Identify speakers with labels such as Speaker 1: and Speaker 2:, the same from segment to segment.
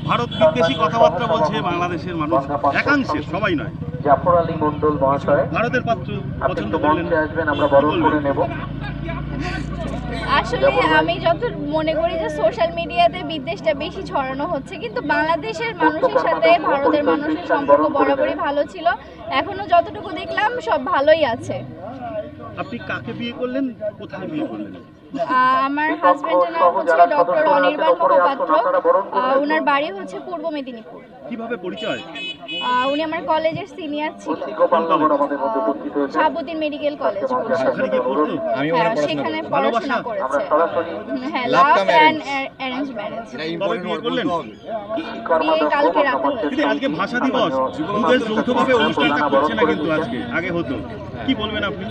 Speaker 1: ভারত বিদ্বেষী কথাবার্তা বলছে বাংলাদেশের মানুষ, একাংশের, সবাই নয়।
Speaker 2: জাফর আলী মন্ডল মহাশয়
Speaker 1: ভারতের পাত্র পছন্দ
Speaker 2: আপনি
Speaker 1: করলেন,
Speaker 2: মঞ্চে আসবেন, আমরা বরণ করে নেব।
Speaker 3: আসলে আমি যত মনে করি যে সোশ্যাল মিডিয়াতে বিদ্বেষটা বেশি ছড়ানো হচ্ছে, কিন্তু বাংলাদেশের মানুষের সাথে ভারতের মানুষের সম্পর্ক বরাবরই ভালো ছিল। এখনো যতটুকু দেখলাম সব ভালোই আছে।
Speaker 1: আপনি কাকে বিয়ে করলেন, কোথায় বিয়ে করলেন?
Speaker 3: আমার হাজবেন্ডের নাম হচ্ছে ডক্টর অনির্বাণ মহাপাত্র। ওনার বাড়ি হচ্ছে পূর্ব মেদিনীপুর।
Speaker 1: কিভাবে পরিচয়?
Speaker 3: উনি আমার কলেজের সিনিয়র ছিল, শাহাবুদ্দিন মেডিকেল কলেজ।
Speaker 1: সেখানে গিয়ে পড়তো?
Speaker 3: হ্যাঁ, সেখানে পড়াশোনা করেছে। হ্যাঁ, লাভ অ্যান্ড অ্যারেঞ্জ ম্যারেজ।
Speaker 1: কবে বিয়ে করলেন?
Speaker 3: বিয়ে কালকে রাতে হয়েছে।
Speaker 1: দিদি, আজকে ভাষা দিবস, দুদেশ যৌথভাবে অনুষ্ঠানটা করছে না কিন্তু আজকে, আগে হতো। কি বলবেন আপনি?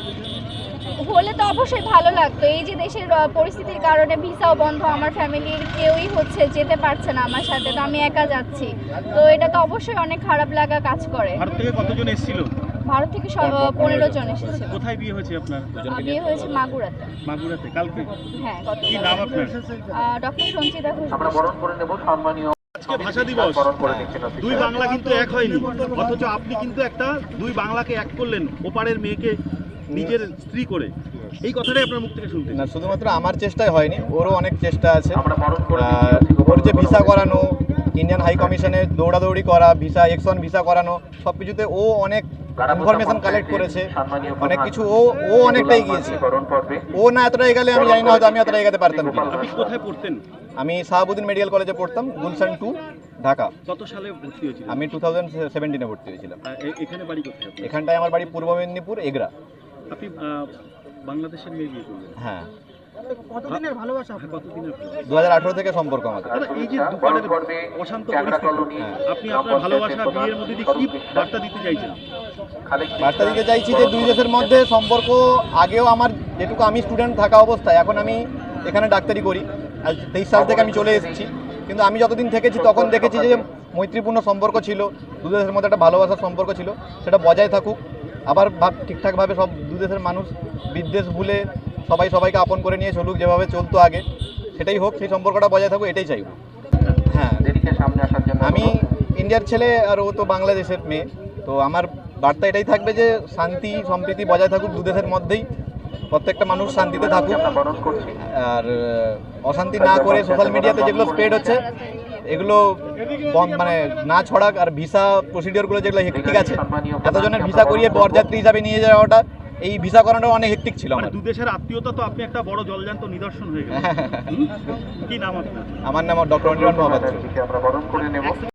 Speaker 3: হলে তো অবশ্যই ভালো লাগতো। এই যে দেশের পরিস্থিতির কারণে ভিসাও বন্ধ, আমার ফ্যামিলির কেউই যেতে পারছে না আমার সাথে, তো আমি একা যাচ্ছি, তো এটা তো অবশ্যই অনেক খারাপ লাগা কাজ করে।
Speaker 1: ভারত থেকে কতজন এসেছিল?
Speaker 3: ভারত থেকে 15 জন এসেছে।
Speaker 1: কোথায় বিয়ে হয়েছে আপনার?
Speaker 3: বিয়ে হয়েছে মাগুরাতে।
Speaker 1: মাগুরাতে। কালকে?
Speaker 3: হ্যাঁ,
Speaker 1: কি নাম আপনার?
Speaker 3: ডক্টর সঞ্চিতা ঘোষ।
Speaker 2: আমরা বরণ করে নেব সম্মানীয়।
Speaker 1: আজকে ভাষা দিবস,
Speaker 2: বরণ করে নিচ্ছেন।
Speaker 1: দুই বাংলা কিন্তু এক হয়নি, অথচ আপনি কিন্তু একটা দুই বাংলাকে এক করলেন, ওপারের মেয়েকে নিজের স্ত্রী করে। এই কথাটাই আপনার মুখ থেকে শুনতে।
Speaker 4: না, শুধুমাত্র আমার চেষ্টাই হয়নি, ওরও অনেক চেষ্টা আছে।
Speaker 2: আমরা বরণ করে
Speaker 4: ওর যে ভিসা করানো, ইন্ডিয়ান হাই কমিশনে দৌড়াদৌড়ি করা, ভিসা X1 ভিসা করানো, সব কিছুতে ও অনেক ইনফরমেশন কালেক্ট করেছে, অনেক কিছু ও অনেকটাই গিয়েছে। ও না এতটা এগালে আমি জানি না, হয়তো আমি এতটা এগাতে পারতাম কিনা।
Speaker 1: আপনি কোথায় পড়তেন?
Speaker 4: আমি শাহাবুদ্দিন মেডিকেল কলেজে পড়তাম, গুলশান 2, ঢাকা।
Speaker 1: কত সালে ভর্তি হয়েছিল?
Speaker 4: আমি 2017-এ ভর্তি হয়েছিলাম।
Speaker 1: এখানে বাড়ি কোথায় আপনার?
Speaker 4: এখানটায় আমার বাড়ি পূর্ব মেদিনীপুর, এগরা।
Speaker 1: আপনি বাংলাদেশের মেয়ে বিয়ে করলেন?
Speaker 4: হ্যাঁ।
Speaker 1: কতদিনের ভালোবাসা? কতদিনের?
Speaker 4: 2018 থেকে সম্পর্ক আমাদের।
Speaker 1: দাদা, এই যে দুপারের অশান্ত পরিস্থিতি, আপনি আপনার ভালোবাসা বিয়ের মধ্যে দিয়ে কি বার্তা দিতে চাইছেন?
Speaker 4: বার্তা দিতে চাইছি যে দুই দেশের মধ্যে সম্পর্ক, আগেও আমার যেটুকু আমি স্টুডেন্ট থাকা অবস্থায়, এখন আমি এখানে ডাক্তারি করি, আজ 23 সাল থেকে আমি চলে এসেছি, কিন্তু আমি যতদিন থেকেছি তখন দেখেছি যে মৈত্রীপূর্ণ সম্পর্ক ছিল, দু দেশের মধ্যে একটা ভালোবাসার সম্পর্ক ছিল, সেটা বজায় থাকুক। আবার ঠিকঠাকভাবে সব দু দেশের মানুষ বিদ্বেষ ভুলে সবাই সবাইকে আপন করে নিয়ে চলুক, যেভাবে চলতো আগে সেটাই হোক, সেই সম্পর্কটা বজায় থাকুক, এটাই চাইব। হ্যাঁ,
Speaker 2: সামনে আসার জন্য
Speaker 4: আমি ইন্ডিয়ার ছেলে আর ও তো বাংলাদেশের মেয়ে, তো আমার বার্তা এটাই থাকবে যে শান্তি সম্প্রীতি বজায় থাকুক দু দেশের মধ্যেই, প্রত্যেকটা মানুষ শান্তিতে থাকুক, আর অশান্তি না করে সোশ্যাল মিডিয়াতে যেগুলো স্প্রেড হচ্ছে এগুলো মানে না ছড়াক। আর ভিসা প্রসিডিওরগুলো যেগুলো হেক্টিক আছে, এতজনের ভিসা করিয়ে বরযাত্রী হিসাবে নিয়ে যাওয়াটা, এই ভিসা করানো অনেক হেক্টিক ছিল আমার।
Speaker 1: দু দেশের আত্মীয়তা তো আপনি একটা বড় জলজান্ত নিদর্শন হয়ে গেল। কি নাম আপনার?
Speaker 4: আমার নাম ডক্টর অনির্বাণ মহাপাত্র।
Speaker 2: আমরা বরণ করে নেব।